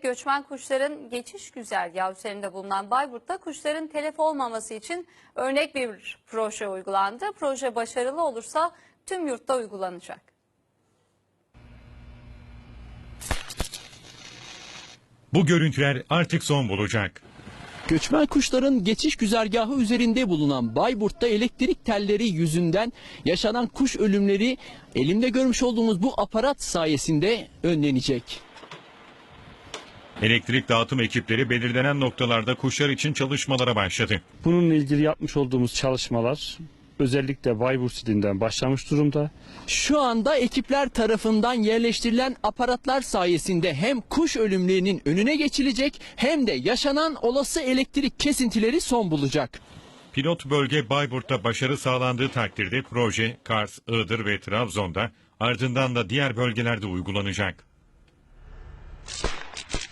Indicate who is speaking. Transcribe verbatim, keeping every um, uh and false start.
Speaker 1: göçmen kuşların geçiş güzergahı üzerinde bulunan Bayburt'ta kuşların telef olmaması için örnek bir proje uygulandı. Proje başarılı olursa tüm yurtta uygulanacak.
Speaker 2: Bu görüntüler artık son bulacak.
Speaker 3: Göçmen kuşların geçiş güzergahı üzerinde bulunan Bayburt'ta elektrik telleri yüzünden yaşanan kuş ölümleri elimde görmüş olduğumuz bu aparat sayesinde önlenecek.
Speaker 2: Elektrik dağıtım ekipleri belirlenen noktalarda kuşlar için çalışmalara başladı.
Speaker 4: Bununla ilgili yapmış olduğumuz çalışmalar özellikle Bayburt ilinden başlamış durumda.
Speaker 3: Şu anda ekipler tarafından yerleştirilen aparatlar sayesinde hem kuş ölümlerinin önüne geçilecek hem de yaşanan olası elektrik kesintileri son bulacak.
Speaker 2: Pilot bölge Bayburt'ta başarı sağlandığı takdirde proje Kars, Iğdır ve Trabzon'da ardından da diğer bölgelerde uygulanacak.